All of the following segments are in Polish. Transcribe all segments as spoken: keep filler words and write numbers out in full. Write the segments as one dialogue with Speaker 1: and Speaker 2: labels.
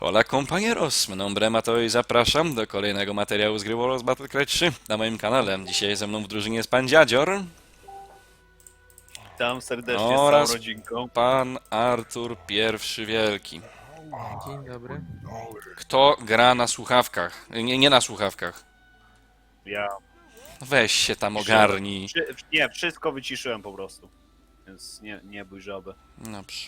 Speaker 1: Hola compañeros, mi nombre Mateo i zapraszam do kolejnego materiału z gry Warlords Battlecry trzy na moim kanale. Dzisiaj ze mną w drużynie jest pan Dziadzior
Speaker 2: Witam serdecznie z całą
Speaker 1: oraz
Speaker 2: rodzinką.
Speaker 1: pan Artur Pierwszy Wielki.
Speaker 3: Dzień dobry.
Speaker 1: Kto gra na słuchawkach? Nie, nie na słuchawkach.
Speaker 2: Ja.
Speaker 1: Weź się tam ogarnij.
Speaker 2: Wszy- Nie, wszystko wyciszyłem po prostu. Więc nie, nie bój żaby.
Speaker 1: Dobrze.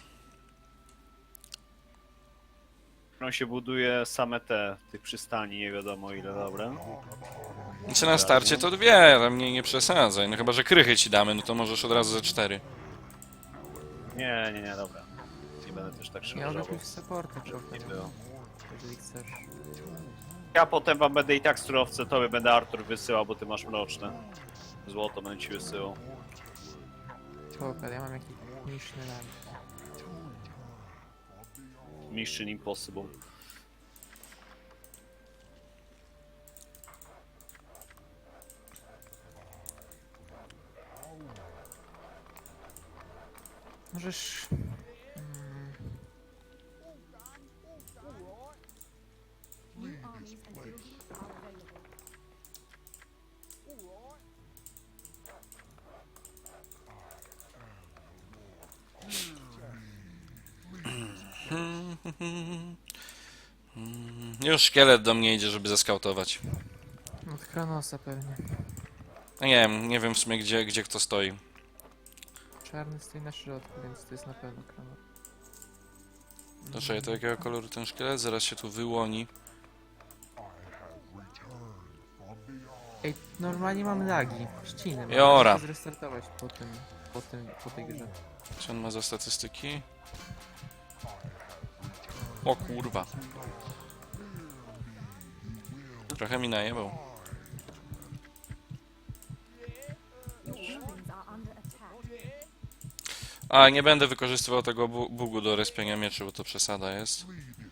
Speaker 2: On się buduje same te, tych przystani, nie wiadomo ile, dobra.
Speaker 1: Czy na starcie to dwie, tam nie, nie przesadzaj. No chyba, że krychy ci damy, no to możesz od razu ze cztery.
Speaker 2: Nie, nie, nie, dobra. Nie będę też tak
Speaker 3: Ja
Speaker 2: szybko
Speaker 3: mogę
Speaker 2: żałował.
Speaker 3: pójść w supporta trochę,
Speaker 2: Nie było.
Speaker 3: jeżeli chcesz.
Speaker 2: Ja potem wam będę i tak surowce, tobie będę Artur wysyłał, bo ty masz mroczne. Złoto będę ci wysyłał.
Speaker 3: Spoko, ja mam jakiś niszny lamp.
Speaker 2: Mission Impossible.
Speaker 3: Możesz... Mm,
Speaker 1: Już szkielet do mnie idzie, żeby zeskautować.
Speaker 3: od Kronosa pewnie.
Speaker 1: No nie wiem, nie wiem w sumie gdzie, gdzie kto stoi.
Speaker 3: Czarny stoi na środku, więc to jest na pewno Kronos.
Speaker 1: Proszę, to jakiego koloru ten szkielet? Zaraz się tu wyłoni.
Speaker 3: Ej, normalnie mam lagi, ściny. Mam
Speaker 1: Jora.
Speaker 3: muszę zrestartować po tym, po tym, po tej grze.
Speaker 1: Co on ma za statystyki? O kurwa. Trochę mi najebał. A, nie będę wykorzystywał tego bu bugu do respienia mieczy, bo to przesada jest.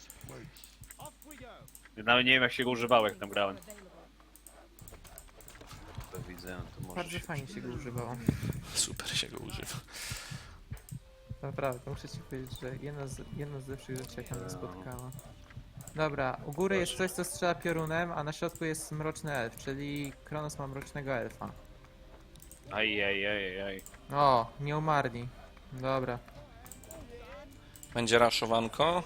Speaker 2: Nawet nie wiem jak się go używało, jak tam grałem. To widzę, to może
Speaker 3: Bardzo
Speaker 2: się...
Speaker 3: fajnie się go używało.
Speaker 1: Super się go używa.
Speaker 3: Naprawdę, muszę ci powiedzieć, że jedna z, jedna z lepszych rzeczy, jaka mnie spotkała. Dobra, u góry jest coś, co strzela piorunem, a na środku jest mroczny elf, czyli Kronos ma mrocznego elfa.
Speaker 2: Aj, aj, aj, aj.
Speaker 3: O, nie umarli. Dobra.
Speaker 1: Będzie raszowanko.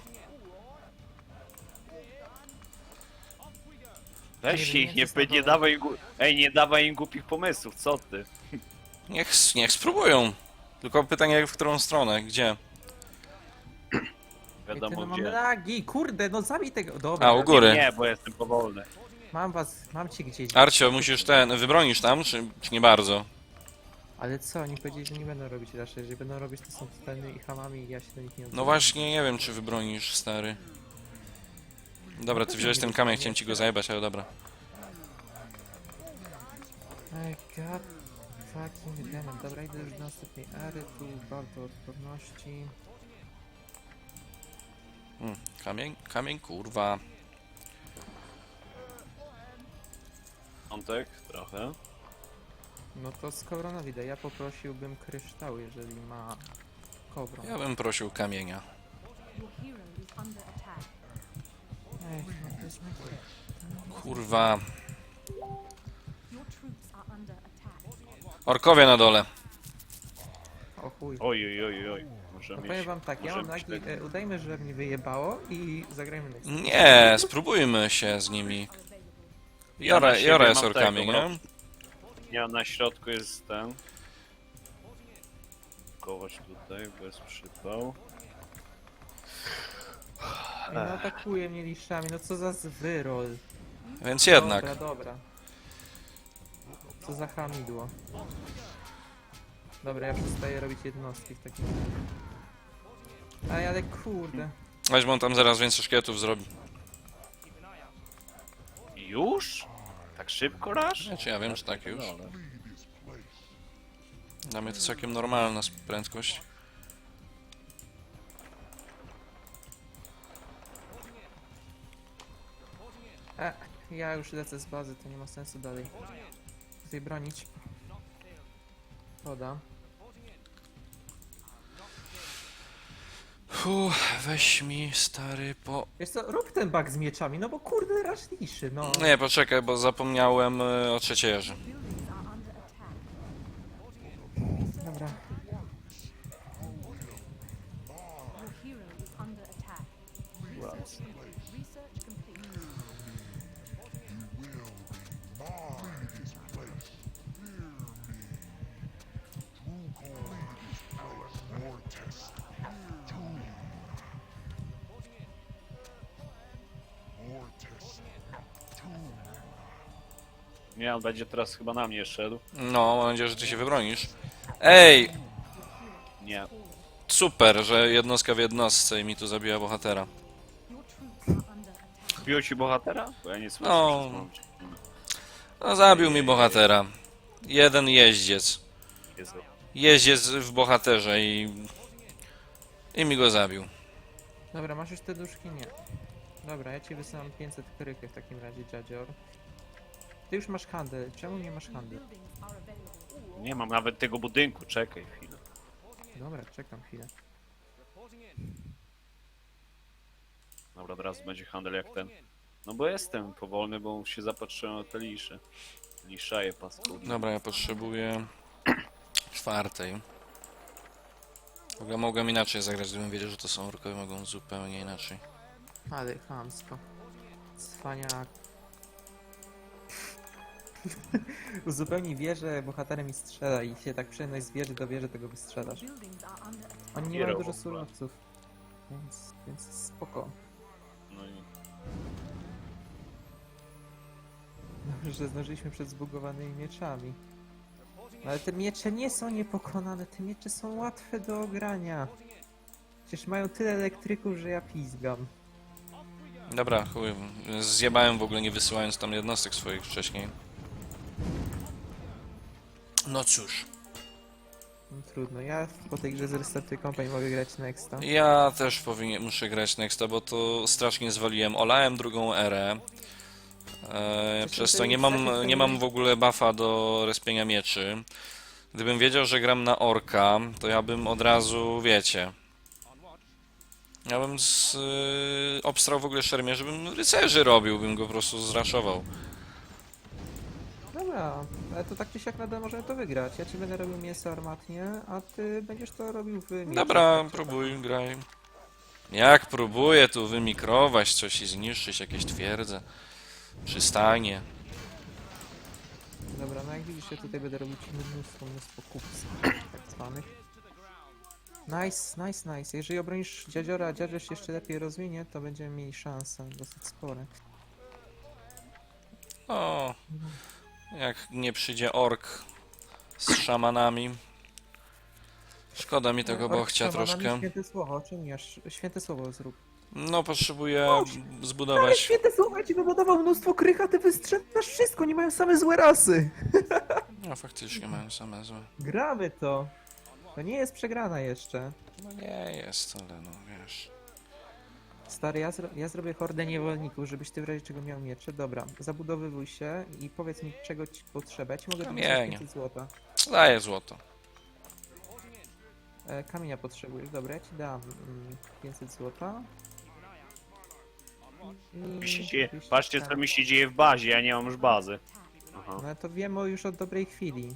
Speaker 2: Weź
Speaker 3: Nie,
Speaker 2: ich,
Speaker 3: nie,
Speaker 2: nie,
Speaker 3: to jest
Speaker 2: nie
Speaker 3: na
Speaker 2: dawaj im, gu- ej, nie dawaj im głupich pomysłów, co ty?
Speaker 1: Niech, niech spróbują. Tylko pytanie w którą stronę, gdzie?
Speaker 3: Ej, ty,
Speaker 2: Wiadomo
Speaker 3: no mam
Speaker 2: gdzie.
Speaker 3: lagi, kurde, no zabij tego. Dobra,
Speaker 1: A, u góry.
Speaker 2: Nie, bo jestem powolny.
Speaker 3: mam was, mam cię gdzieś.
Speaker 1: Arcio, musisz ten, wybronisz tam, czy, czy nie bardzo?
Speaker 3: Ale co, oni powiedzieli, że nie będą robić raczej, jeżeli będą robić, to są totalnymi i hamami i ja się do nich nie odzywam.
Speaker 1: No właśnie, nie wiem czy wybronisz, stary. Dobra, ty wziąłeś ten kamień, chciałem ci go zajebać, ale dobra.
Speaker 3: Ej, god fucking damn. Dobra, idę już do następnej ery, tu bardzo odporności.
Speaker 1: Hmm, kamień, kamień, kurwa.
Speaker 2: Piątek, trochę.
Speaker 3: No to z Kobronowi daj, ja poprosiłbym kryształ, jeżeli ma Kobron.
Speaker 1: Ja bym prosił kamienia.
Speaker 3: Ej, no to jest
Speaker 1: Kurwa. Orkowie na dole.
Speaker 3: O chuj.
Speaker 2: Oj, oj, oj, oj. Może
Speaker 3: No
Speaker 2: mieć.
Speaker 3: powiem wam tak, ja
Speaker 2: może
Speaker 3: mam
Speaker 2: mieć
Speaker 3: lagi,
Speaker 2: tego.
Speaker 3: e, udajmy, że mnie wyjebało i zagrajmy next.
Speaker 1: Nie, spróbujmy się z nimi.
Speaker 2: Ja
Speaker 1: Jora,
Speaker 2: na siebie
Speaker 1: Jora
Speaker 2: mam
Speaker 1: jest orkami,
Speaker 2: tego,
Speaker 1: nie?
Speaker 2: Ja na środku jest ten. Kować tutaj, bez przypał.
Speaker 3: Ej, no atakuje mnie liszczami, no co za wyrol.
Speaker 1: Więc jednak.
Speaker 3: Dobra, dobra. Co za hamidło. Dobra, ja przestaję robić jednostki w takim razie. Ej, ale kurde.
Speaker 1: Weź, bo on tam zaraz więcej szkieletów zrobi.
Speaker 2: Już? Tak szybko rasz?
Speaker 1: Znaczy ja wiem, czy tak już.
Speaker 2: No,
Speaker 1: Dla mnie to całkiem normalna prędkość.
Speaker 3: E, ja już lecę z bazy, to nie ma sensu dalej tutaj bronić. Woda.
Speaker 1: Ojejku, weź mi stary po...
Speaker 3: Wiesz co, rób ten bug z mieczami, no bo kurde, raż liszy, no.
Speaker 1: Nie, poczekaj, bo zapomniałem y, o trzeciejerze.
Speaker 3: Dobra.
Speaker 2: Nie, on będzie teraz chyba na mnie szedł.
Speaker 1: No, mam nadzieję, że ty się wybronisz. Ej,
Speaker 2: Nie.
Speaker 1: super, że jednostka w jednostce i mi tu zabija bohatera.
Speaker 2: Bił ci bohatera? Bo ja nie słyszę.
Speaker 1: No.
Speaker 2: przez moment.
Speaker 1: No, zabił mi bohatera. Jeden jeździec.
Speaker 2: Jezu.
Speaker 1: Jeździec w bohaterze i... I mi go zabił.
Speaker 3: Dobra, masz już te duszki? Nie. Dobra, ja ci wysyłam pięćset krychy w takim razie, dziadzior. Ty już masz handel, czemu nie masz handel?
Speaker 2: Nie mam nawet tego budynku, czekaj chwilę.
Speaker 3: Dobra, czekam chwilę.
Speaker 2: Dobra, teraz będzie handel jak ten. No bo jestem powolny, bo się zapatrzyłem na te lisze. Liszaje paskudne.
Speaker 1: Dobra, ja potrzebuję... czwartej. W ogóle mogłem inaczej zagrać, gdybym wiedział, że to są orkowie, mogą zupełnie inaczej.
Speaker 3: Ale chamsko. Cwaniak. Uzupełnij wieżę bohaterem i strzela i się tak przyjemność z wieży do wieży tego wystrzelasz. Oni nie mają
Speaker 2: Hero
Speaker 3: dużo
Speaker 2: w ogóle.
Speaker 3: surowców. Więc, więc spoko.
Speaker 2: No i
Speaker 3: Dobrze, że zdążyliśmy przed zbugowanymi mieczami. No ale te miecze nie są niepokonane, te miecze są łatwe do ogrania. Przecież mają tyle elektryków, że ja pizgam.
Speaker 1: Dobra, chuj, zjebałem w ogóle nie wysyłając tam jednostek swoich wcześniej. No cóż,
Speaker 3: No, trudno, ja po tej grze z Restartuj Company mogę grać nexta.
Speaker 1: ja też powinien, muszę grać Nexta, bo to strasznie zwaliłem. Olałem drugą erę. E, przez to nie mam, nie mam w ogóle buffa do respienia mieczy. Gdybym wiedział, że gram na orka, to ja bym od razu, wiecie... Ja bym z, y, obstrał w ogóle szermierz, żebym rycerzy robił, bym go po prostu zraszował.
Speaker 3: Dobra, ale to tak czy siak nadal możemy to wygrać. Ja ci będę robił mięso armatnie, a ty będziesz to robił w mieczach.
Speaker 1: Dobra,
Speaker 3: Tak czy
Speaker 1: próbuj, graj. Jak próbuję tu wymikrować coś i zniszczyć jakieś twierdze, przystanie.
Speaker 3: tak. Dobra, no jak widzisz, ja tutaj będę robić mnóstwo, mnóstwo kupców, tak zwanych. Nice, nice, nice. Jeżeli obronisz dziadziora, a dziadzior się jeszcze lepiej rozwinie, to będziemy mieli szanse dosyć spore.
Speaker 1: O, jak nie przyjdzie ork z szamanami. Szkoda mi tego
Speaker 3: Ork
Speaker 1: bochcia
Speaker 3: z szamanami,
Speaker 1: troszkę.
Speaker 3: Święte słowo, czemu nie? Święte słowo zrób.
Speaker 1: No, potrzebuję
Speaker 3: Ale
Speaker 1: zbudować...
Speaker 3: święte słowo, ja ci wybudował mnóstwo krycha, ty wystrzelasz wszystko, nie mają same złe rasy.
Speaker 1: No, faktycznie mają same złe.
Speaker 3: Gramy to. To nie jest przegrana jeszcze.
Speaker 1: No nie jest, ale no wiesz...
Speaker 3: Stary, ja, zro ja zrobię hordę niewolników, żebyś ty w razie czego miał miecze. Dobra, zabudowywuj się i powiedz mi, czego ci potrzeba. Ja ci mogę
Speaker 1: No
Speaker 3: dać
Speaker 1: nie,
Speaker 3: pięćset złota.
Speaker 1: Daję złoto.
Speaker 3: E, kamienia potrzebujesz, dobra, ja ci dam mm, pięćset złota. I
Speaker 2: mi się dzieje.
Speaker 3: dwieście
Speaker 2: Patrzcie co
Speaker 3: kamieni.
Speaker 2: mi się dzieje w bazie, ja nie mam już bazy. Aha,
Speaker 3: No ale to wiemy już od dobrej chwili.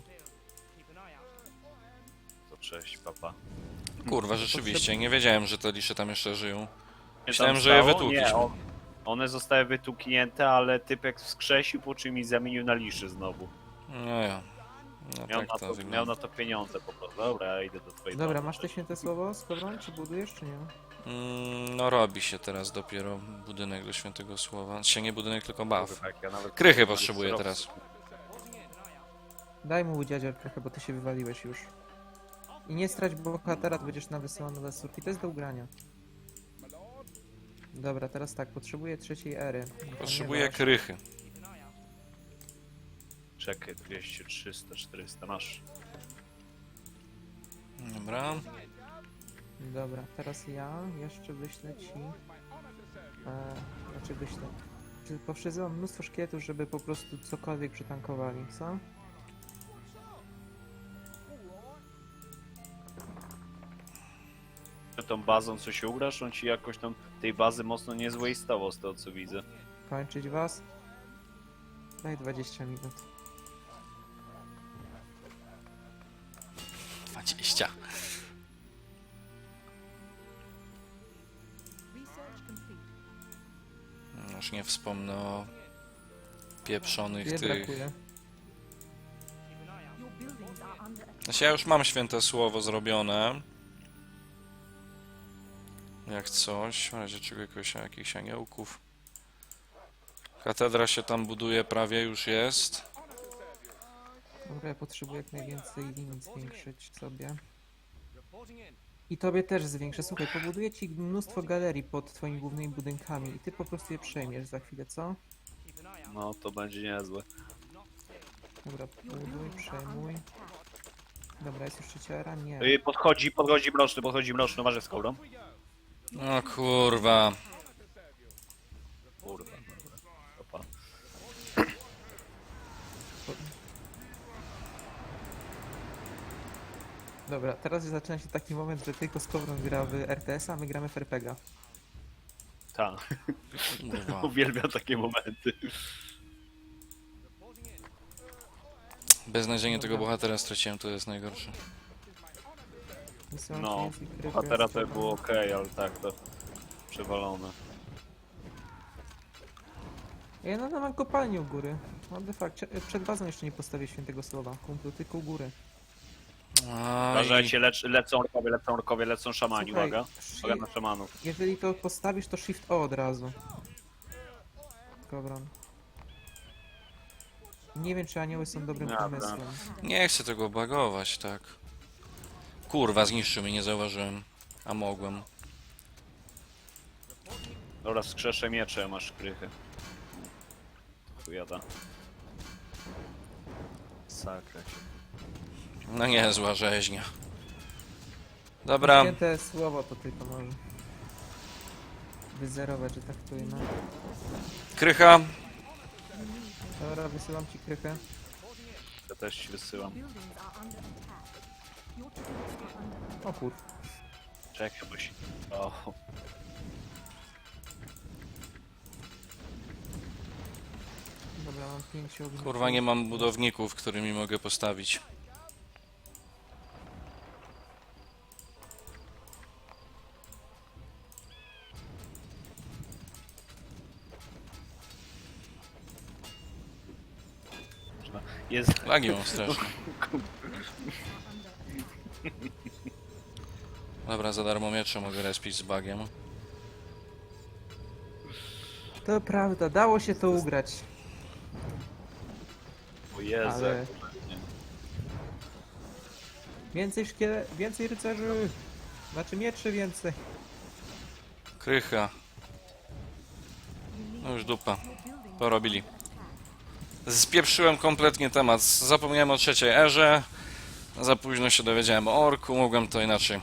Speaker 2: to cześć, papa.
Speaker 1: Kurwa, rzeczywiście, nie wiedziałem, że te lisze tam jeszcze żyją.
Speaker 2: Nie
Speaker 1: Myślałem,
Speaker 2: tam
Speaker 1: że je
Speaker 2: stało?
Speaker 1: wytłukliśmy.
Speaker 2: Nie, on, one zostały wytuknięte, ale typek wskrzesił, po czym mi zamienił na liszy znowu.
Speaker 1: No ja. No
Speaker 2: Miał,
Speaker 1: tak
Speaker 2: na
Speaker 1: to
Speaker 2: to, miał
Speaker 1: wygląda.
Speaker 2: na to pieniądze po prostu. Dobra, ja idę do twojej
Speaker 3: Dobra,
Speaker 2: domu.
Speaker 3: masz te święte słowo z powrotem, czy budujesz, czy nie?
Speaker 1: Mm, no robi się teraz dopiero budynek do świętego słowa. Się nie budynek, tylko baw.
Speaker 2: Tak, ja nawet
Speaker 1: Krychy
Speaker 2: nawet
Speaker 1: potrzebuję
Speaker 2: surowców.
Speaker 1: teraz.
Speaker 3: Daj mu dziadzior trochę, bo ty się wywaliłeś już. I nie strać bohatera, to będziesz na wysyłany do surki. To jest do ugrania. Dobra, teraz tak, potrzebuję trzeciej ery.
Speaker 1: Potrzebuję
Speaker 3: ponieważ-
Speaker 1: krychy.
Speaker 2: Czekaj, dwieście, trzysta, czterysta, masz.
Speaker 1: Dobra.
Speaker 3: Dobra, teraz ja jeszcze wyślę ci... E, znaczy wyślę... Czy poprzyzywam mnóstwo szkieletów, żeby po prostu cokolwiek przytankowali, co?
Speaker 2: tą bazą coś ugrasz, on ci jakoś tam tej bazy mocno nie zwastował z tego co widzę.
Speaker 3: Kończyć was? Daj dwadzieścia minut.
Speaker 1: dwadzieścia. Już nie wspomnę o pieprzonych
Speaker 3: Ile
Speaker 1: tych...
Speaker 3: brakuje?
Speaker 1: Znaczy ja już mam święte słowo zrobione. Jak coś, w razie czego jakoś, jakichś aniołków. Katedra się tam buduje, prawie już jest.
Speaker 3: Dobra, ja potrzebuję jak najwięcej linii zwiększyć sobie. I tobie też zwiększę. Słuchaj, pobuduję ci mnóstwo galerii pod twoimi głównymi budynkami i ty po prostu je przejmiesz za chwilę, co?
Speaker 2: No to będzie niezłe.
Speaker 3: Dobra, buduj, przejmuj. Dobra, jest już trzecia era? Nie.
Speaker 2: Ej, podchodzi, podchodzi mroczny, podchodzi mroczny, uważaj z kołdą.
Speaker 1: O kurwa.
Speaker 2: Kurwa, dobra. Opa.
Speaker 3: Dobra, teraz zaczyna się taki moment, że tylko Skowron gra w R T S, a my gramy w R P G.
Speaker 2: Ta,
Speaker 1: Kurwa.
Speaker 2: uwielbiam takie momenty.
Speaker 1: Beznadziejnie tego bohatera straciłem, to jest najgorsze.
Speaker 3: Wysyłam
Speaker 2: No,
Speaker 3: ci więcej krypy,
Speaker 2: a teraz to
Speaker 3: Skowron.
Speaker 2: było ok, ale tak to przewalone.
Speaker 3: Ja nadal mam kopalnię u góry. What the fuck? Cie- Przed bazą jeszcze nie postawię świętego słowa. Kumplu, tylko u góry.
Speaker 1: Aj.
Speaker 2: Uważajcie, lecz, lecą orkowie, lecą orkowie, lecą szamani,
Speaker 3: Słuchaj,
Speaker 2: uwaga.
Speaker 3: shi-
Speaker 2: Uwaga na szamanów.
Speaker 3: Jeżeli to postawisz, to Shift O od razu. Skowron. Nie wiem, czy anioły są dobrym
Speaker 2: Dobra.
Speaker 3: pomysłem.
Speaker 1: Nie chcę tego bagować, tak. Kurwa, zniszczył mnie, nie zauważyłem. A mogłem.
Speaker 2: Dobra, skrzeszę miecze, masz krychę. Chujada. Sakra się.
Speaker 1: No nie, zła rzeźnia. Dobra,
Speaker 3: Święte słowo to tylko może. Wyzerować, że tak to no.
Speaker 1: krycha.
Speaker 3: Dobra, wysyłam ci krychę.
Speaker 2: Ja też ci wysyłam.
Speaker 3: O kur...
Speaker 2: Czekaj, bo się... O,
Speaker 3: Dobra, mam pięć ogniw.
Speaker 1: Kurwa, nie mam budowników, którymi mogę postawić.
Speaker 2: jest...
Speaker 1: Lagi mam strasznie. Dobra, za darmo miecze mogę respić z bagiem.
Speaker 3: To prawda, dało się to ugrać.
Speaker 2: O Jezu,
Speaker 3: Ale-
Speaker 2: jak to będzie.
Speaker 3: Więcej szkiele... więcej rycerzy! Znaczy mieczy więcej.
Speaker 1: Krycha. No już dupa. Porobili. Spieprzyłem kompletnie temat. Zapomniałem o trzeciej erze. Za późno się dowiedziałem o orku. Mogłem to inaczej.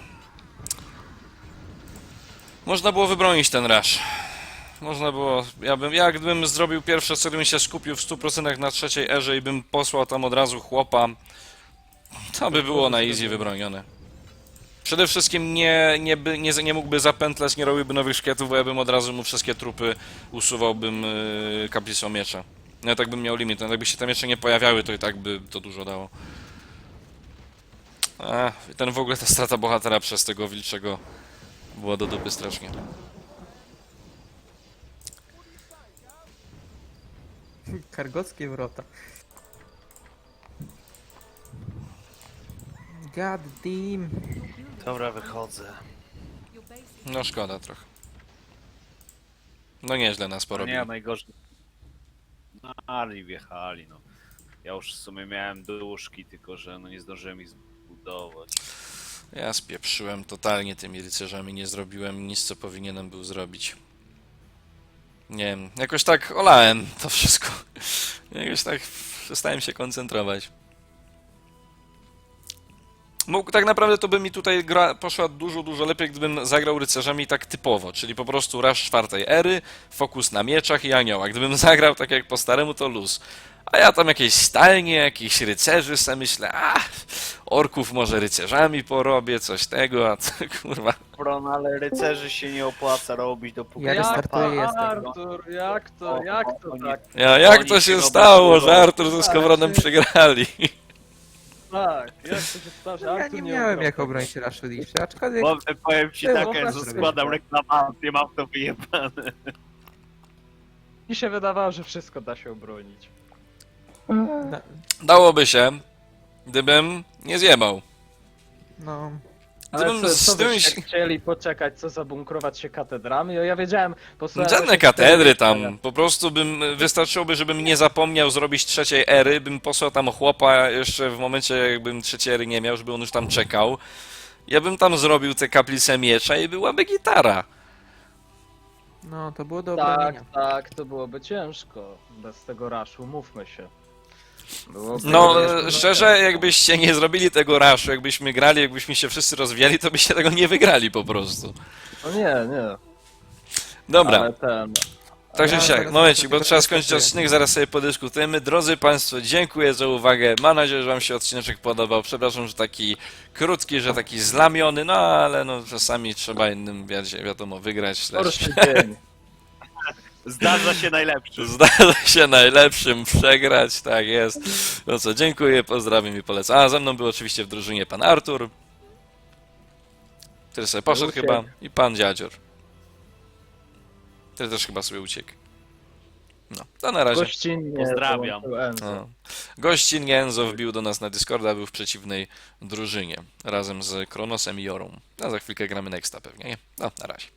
Speaker 1: Można było wybronić ten rush. Można było... Ja bym, jak gdybym zrobił pierwsze, co bym się skupił w stu procentach na trzeciej erze i bym posłał tam od razu chłopa, to by było na easy wybronione. Przede wszystkim nie, nie, by, nie, nie mógłby zapętlać, nie robiłby nowych szkietów, bo ja bym od razu mu wszystkie trupy usuwałbym yy, kaplicą miecza. No tak bym miał limit, no jakby się te miecze nie pojawiały, to i tak by to dużo dało. A, ten w ogóle ta strata bohatera przez tego wilczego była do dupy strasznie.
Speaker 3: Kargockie wrota. God damn.
Speaker 2: Dobra, wychodzę.
Speaker 1: No szkoda trochę. No nieźle nas
Speaker 2: No
Speaker 1: porobili.
Speaker 2: nie, najgorzej. No, ale wjechali, no. Ja już w sumie miałem duszki, tylko że no nie zdążyłem ich zbudować.
Speaker 1: Ja spieprzyłem totalnie tymi rycerzami, nie zrobiłem nic, co powinienem był zrobić. Nie wiem, jakoś tak olałem to wszystko. Jakoś tak przestałem się koncentrować. Mógł, tak naprawdę to by mi tutaj gra poszła dużo, dużo lepiej, gdybym zagrał rycerzami tak typowo, czyli po prostu rush czwartej ery, fokus na mieczach i aniołach. Gdybym zagrał tak jak po staremu, to luz. A ja tam jakieś stalnie, jakichś rycerzy se myślę, a orków może rycerzami porobię, coś tego, a to kurwa.
Speaker 2: Bron, ale rycerzy się nie opłaca robić, dopóki
Speaker 3: Ja
Speaker 2: nie ma
Speaker 3: restartuję,
Speaker 2: pana.
Speaker 3: jestem.
Speaker 4: Artur, jak to, jak to tak?
Speaker 1: Ja, jak
Speaker 2: Oni
Speaker 1: to
Speaker 2: się
Speaker 1: się
Speaker 2: robią
Speaker 1: stało,
Speaker 2: dużo.
Speaker 1: że Artur ze Skowronem przegrali?
Speaker 4: Tak, jak to się stało, że
Speaker 3: No, ja
Speaker 4: Artur
Speaker 3: nie miałem
Speaker 4: ugrał
Speaker 3: jak
Speaker 4: tego?
Speaker 3: obronić Rashfordisha, aczkolwiek
Speaker 2: Bo powiem ci
Speaker 3: Było,
Speaker 2: tak,
Speaker 3: proszę
Speaker 2: że
Speaker 3: zrobić
Speaker 2: składam
Speaker 3: to.
Speaker 2: reklamację, mam to wyjebane.
Speaker 4: Mi się wydawało, że wszystko da się obronić.
Speaker 3: na,
Speaker 1: Dałoby się, gdybym nie zjebał.
Speaker 3: no...
Speaker 4: Ale
Speaker 1: Gdybym
Speaker 4: co,
Speaker 1: z
Speaker 4: co
Speaker 1: tym...
Speaker 4: byście chcieli poczekać, co zabunkrować się katedrami? O, ja wiedziałem, posłuchałem...
Speaker 1: Żadne
Speaker 4: właśnie
Speaker 1: katedry
Speaker 4: wtedy-
Speaker 1: tam, po prostu bym, wystarczyłoby, żebym nie zapomniał zrobić trzeciej ery, bym posłał tam chłopa jeszcze w momencie, jakbym trzeciej ery nie miał, żeby on już tam czekał. Ja bym tam zrobił te kaplice miecza i byłaby gitara.
Speaker 3: No, to było do
Speaker 4: Tak,
Speaker 3: obronienia.
Speaker 4: tak, to byłoby ciężko. Bez tego raszu, mówmy się. Byłoby
Speaker 1: No,
Speaker 4: ciężko,
Speaker 1: e, szczerze,
Speaker 4: ciężko.
Speaker 1: jakbyście nie zrobili tego raszu, jakbyśmy grali, jakbyśmy się wszyscy rozwijali, to byście tego nie wygrali po prostu.
Speaker 4: No nie, nie.
Speaker 1: Dobra.
Speaker 4: Ale ten...
Speaker 1: Także
Speaker 3: Ja
Speaker 1: siak,
Speaker 3: zaraz
Speaker 1: momencik,
Speaker 3: sobie
Speaker 1: bo
Speaker 3: to
Speaker 1: trzeba skończyć
Speaker 3: przetestuję.
Speaker 1: odcinek, zaraz sobie podyskutujemy. Drodzy Państwo, dziękuję za uwagę. Mam nadzieję, że Wam się odcineczek podobał. Przepraszam, że taki krótki, że taki zlamiony, no ale no czasami trzeba innym, wiecie, wiadomo, wygrać też.
Speaker 4: Gorszy dzień.
Speaker 2: Zdarza się najlepszy.
Speaker 1: Zdarza się najlepszym przegrać, tak jest. No co, dziękuję, pozdrawiam i polecam. A ze mną był oczywiście w drużynie pan Artur, który sobie poszedł
Speaker 4: Uciekł.
Speaker 1: chyba, i pan Dziadzior, który też chyba sobie uciekł. No, to na razie.
Speaker 4: Gościnnie
Speaker 2: Pozdrawiam.
Speaker 4: dołączył Enzo.
Speaker 1: No. Gościn Enzo wbił do nas na Discorda, był w przeciwnej drużynie, razem z Kronosem i Jorą. A za chwilkę gramy Nexta pewnie, nie? No, na razie.